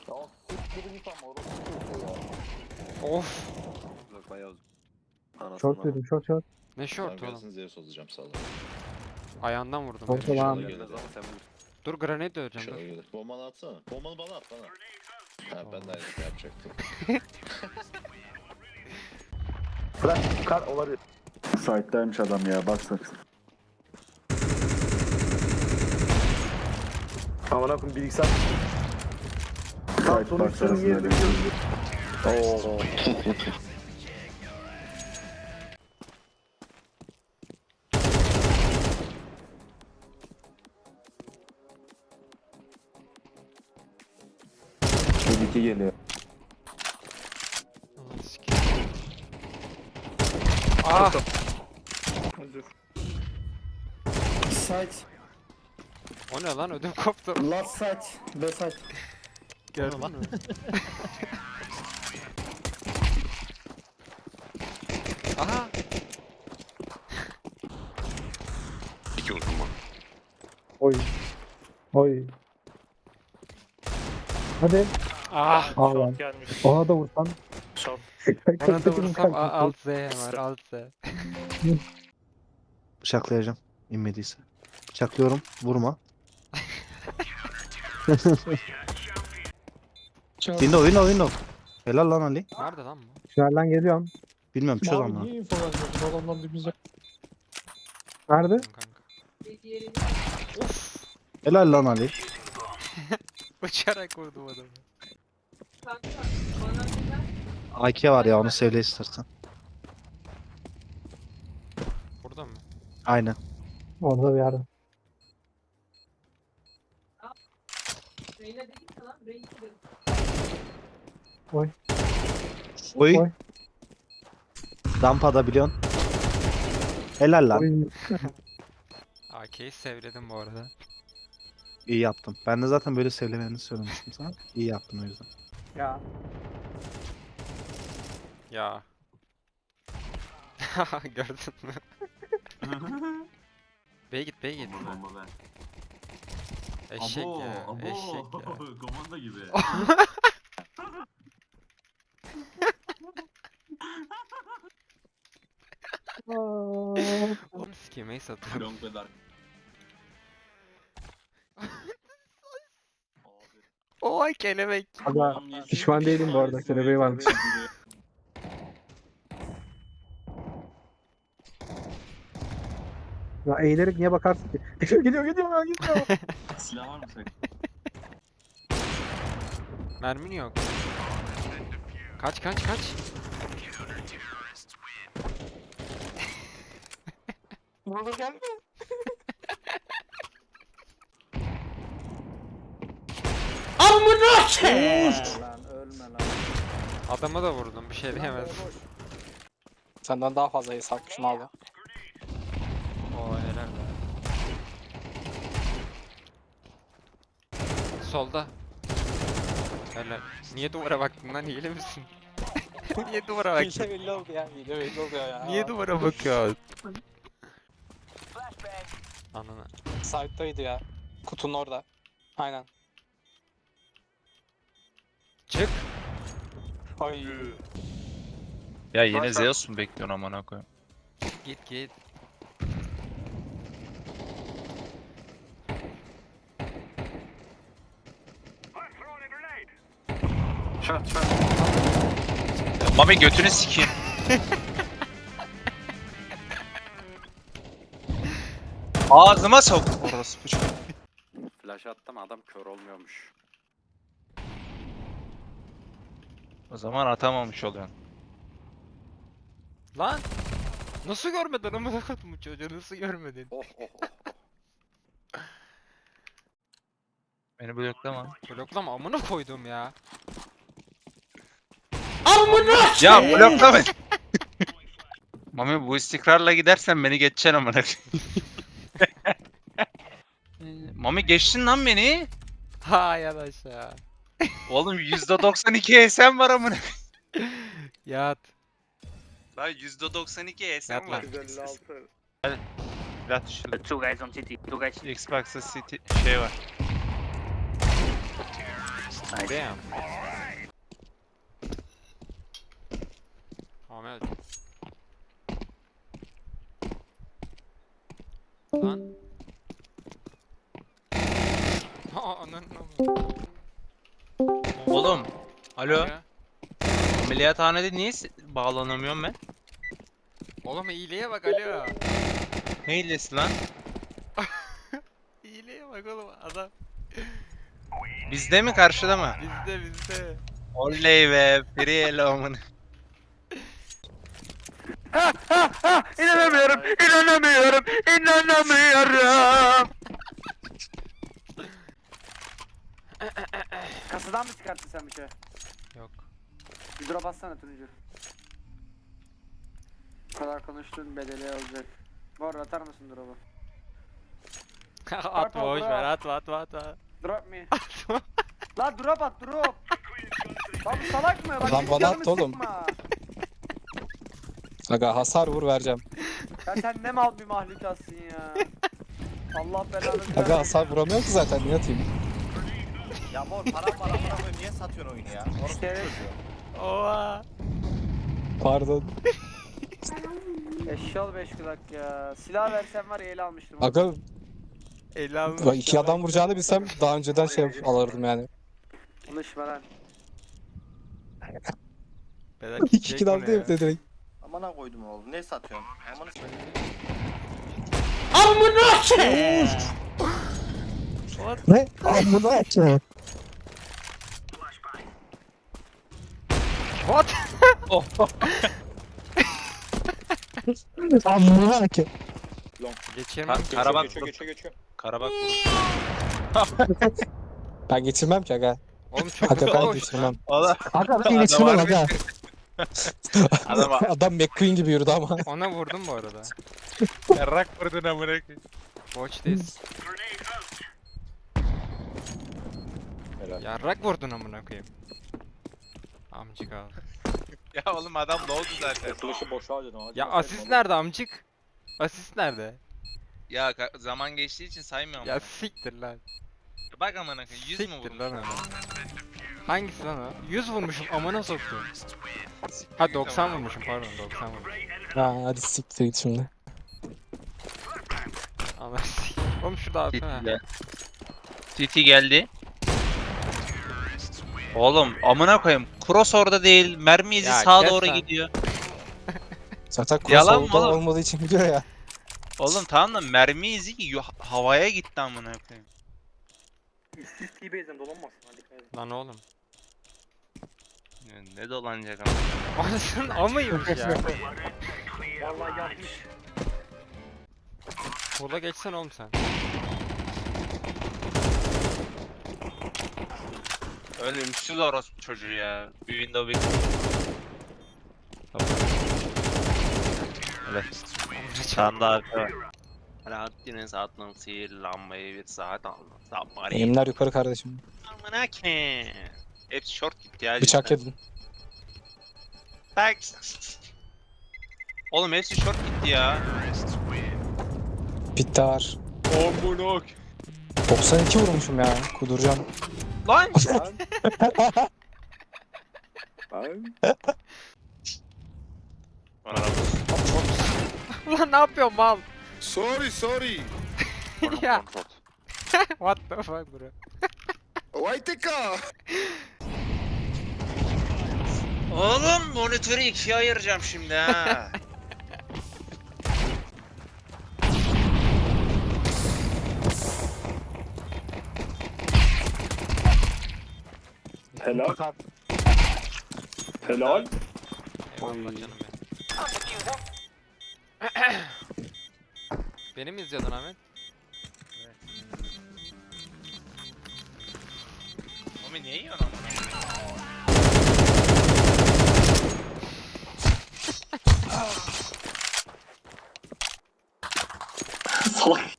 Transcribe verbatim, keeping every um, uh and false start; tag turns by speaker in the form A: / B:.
A: Ya siktir git ama orası kötü ya.
B: Of.
C: Uzak bayağı uzak. Anasını
D: Short
C: ama.
D: dedim short short.
B: Ne
A: Tamam
B: short oğlum.
A: gelsin Zeus olacağım sağ olun.
B: Ayağından vurdum.
D: Short
B: herif.
D: olan.
C: İnşallah
A: Tamam.
C: gelmez ama sen vur.
B: Dur granate döveceğim
A: İnşallah
B: dur.
A: gelir. Bombanı atsana. Bombanı bana at bana. Ha ben de aynısını yapacaktım.
E: Flash kar olabilir. Side'daymış adam ya baksana.
F: Aman akım bilgisayar. Tam
E: Side
F: sonuç
E: box
F: sorun
E: arasında
F: yerine
E: bir-
F: gördüm. Oo.
E: Bir iki geliyor.
B: Allah'ını sikeyim. Ah!
G: Side.
B: O ne lan ödüm koptu.
G: Last side. B side.
B: Gördün mü? Aha!
C: İki vurdum bak.
D: Oy. Oy. Hadi.
B: Ah!
D: Al lan. Ona da vursan.
F: Short.
B: Ona da vursam a- alt Z hemen alt Z.
H: Bıçaklayacağım. İnmediyse. Bıçaklıyorum. Vurma. Window window window. Helal lan Ali.
B: Nerede lan bu?
D: Tünelden geliyorum.
H: Bilmiyorum çöz
G: Abi
H: ama.
G: niye info vermiyorsun? Bu adamlar dibimize.
D: Nerede?
B: Kanka. Of!
H: Helal lan Ali.
B: Uçarak vurdum adamı.
H: A K var ya onu sevle istersen.
B: Burada mı?
H: Aynen.
D: Orada bir yerde. Oy.
H: Oy.
D: Oy.
H: Rampada biliyorsun. Helal lan.
D: Oy.
B: A K'yi sevledim bu arada.
H: İyi yaptın. Ben de zaten böyle sevlemeni söylemiştim sana. İyi yaptın o yüzden.
D: Ya.
B: Ya. Gördün mü? B'ye git B'ye git. Eşek ya. Eşek ya.
I: Komanda gibi.
B: Oğlum sikeyim ace atıyorum.
I: Long ve dark.
B: Oy kelebek.
D: Aga pişman değilim bu arada. Kelebeği varmış. Ya eğilerek niye bakarsın ki? Geliyor geliyor geliyor ya geliyor.
I: Silah var mı sen?
B: Mermin yok. Kaç kaç kaç. Vurdu gelme.
G: Lan ölme lan.
B: Adama da vurdum bir şey diyemez.
G: Senden daha fazla hesapmışım abi.
B: Oo helal be. Solda. Helal. Niye duvara baktın lan hile misin? Niye duvara baktın?
G: Hile belli oldu ya. Hile belli oluyor ya.
B: Niye duvara bakıyorsun? Anana.
G: Side'daydı ya. Kutunun orada. Aynen.
B: Çık.
G: Ay.
J: Ya yine Zeus mu bekliyorsun amına koyayım?
B: Git git.
C: Şat şat.
J: Mami götünü sikeyim. Ağzıma sok. Orası bu çocuk.
C: Flash attım adam kör olmuyormuş.
J: O zaman atamamış oluyorsun.
B: Lan. Nasıl görmedin amına koydum bu çocuğu nasıl görmedin?
C: Oh oh oh.
J: Beni bloklama.
B: Bloklama amına koydum ya.
J: Ya bloklama. Mami bu istikrarla gidersen beni geçeceksin amına koyayım. Mami geçtin lan beni.
B: Hay aşağı.
J: Oğlum yüzde doksan iki S M var amına.
B: Yat.
J: Lan yüzde doksan iki S M
B: Yat
J: var.
B: lan.
F: yüz elli altı.
J: Biraz düşürdüm.
I: Two guys on city. Two guys.
J: Xbox'ta City şey var.
B: Damn. Ahmet. Lan. Aa ananın amı.
J: Oğlum. Alo.
B: Ya.
J: Ameliyathanede niye s- bağlanamıyorum ben?
B: Oğlum iyiliğe bak alo.
J: Ne hilesi lan?
B: İyiliğe bak oğlum adam.
J: Bizde mi karşıda mı?
B: Bizde bizde.
J: Oley be. Free eleman.
C: İnanamıyorum, inanamıyorum, inanamıyorum.
G: Kasadan mı çıkarttın sen bir şey?
B: Yok.
G: Bir drop atsana Tunucu. Bu kadar konuştuğun bedeli olacak. Bu arada atar mısın drop'u?
B: atma boş ver atma atma atma.
G: Drop me. La drop at drop. Lan bu salak mı? Bak
F: Lan
G: hiç
F: bana
G: canımı
F: at oğlum.
G: sıkma.
F: Aga hasar vur vereceğim.
G: Ya sen ne mal bir mahlukatsın ya. Allah belanı
F: Aga
G: versin.
F: hasar vuramıyorum ki zaten niye atayım?
A: Ya mor param var amına koyayım niye satıyorsun oyunu ya? Orası
G: Evet.
A: çocuğu.
B: Oha.
F: Pardon.
G: Eşşal beş kulak ya. Silah versen var ya ele almıştım.
F: Aga
B: elli almış.
F: bak iki adam vuracağını bilsem daha önceden şey alırdım yani.
G: Konuşma lan.
B: Beyler
F: İki
B: kick
F: kill
B: bunu
F: aldı
B: ya.
F: ya direkt.
A: Amına koydum oğlum ne satıyorsun? Amına
F: Ne? Amına açma.
B: What?
F: Amına açma.
B: Geçirmem.
J: Ka- Karabak.
C: Geçiyor, geçiyor, geçiyor.
J: Karabak vurur.
F: Ben geçirmem ki aga.
B: Oğlum çok
F: Aga ben
B: boş lan.
F: geçirmem.
J: Oğlum.
F: Aga ben geçirmem aga.
J: Adam
F: Adam McQueen gibi yürüdü ama.
B: Ona vurdum bu arada.
J: yarrak vurdun amına koyayım.
B: Watch this.
C: Helal.
B: Yarrak vurdun amına koyayım. Amcık abi.
J: Ya oğlum adam ne oldu zaten?
C: Kurtuluşu boşa harcadın. hadi
B: Ya
C: bakalım
B: asist
C: oğlum.
B: nerede amcık? Asist nerede?
J: Ya ka- zaman geçtiği için saymıyorum.
B: Ya
J: Ya
B: siktir lan.
J: bak amına koyayım yüz mü
B: Siktir
J: vurmuş?
B: lan onu. Hangisi lan o? yüz vurmuşum amına soktum. Ha doksan vurmuşum pardon doksan vurmuşum.
F: Ha hadi siktir git şimdi.
B: Ama oğlum şurada atsana.
J: City geldi. Oğlum amına koyayım. Cross orada değil. Mermi izi
B: Ya
J: sağa
B: kes
J: doğru
B: lan.
J: gidiyor.
F: Zaten
J: Yalan mı
F: crossover'da
J: oğlum?
F: olmadığı için gidiyor ya.
J: Oğlum tamam da mermi izi yo- havaya gitti amına koyayım.
G: İşsiz T-Base'den dolanmasın hadi dikkat edin.
B: Lan oğlum.
J: Ya ne dolanacak ama.
B: Anasının amıymış ya.
G: Vallahi yapmış.
B: Sola geçsen oğlum sen.
J: Ölümsüz orospu çocuğu ya. Bir window bir. Öyle. Sen de arka var. Rahattine saatlen sihirlanmayı bir saat aldı. Sabari.
F: Elimler yukarı kardeşim.
J: Amına ki. Hepsi short gitti ya.
F: Bıçak
J: cidden.
F: yedin.
J: Bak. Oğlum hepsi short gitti ya.
F: Bitti var.
J: Amına ki.
F: doksan iki vurmuşum ya. Kuduracağım.
J: Lan. Bana bak.
B: Ulan ne yapıyorsun mal?
A: Sorry sorry.
B: Ya. What the fuck bro?
A: Vayteka.
J: Oğlum monitörü ikiye ayıracağım şimdi ha.
E: Helal. Helal.
B: Eyvallah canım benim. Beni mi izliyordun Ahmet?
J: Oğlum niye yiyorsun amına?
E: Salak.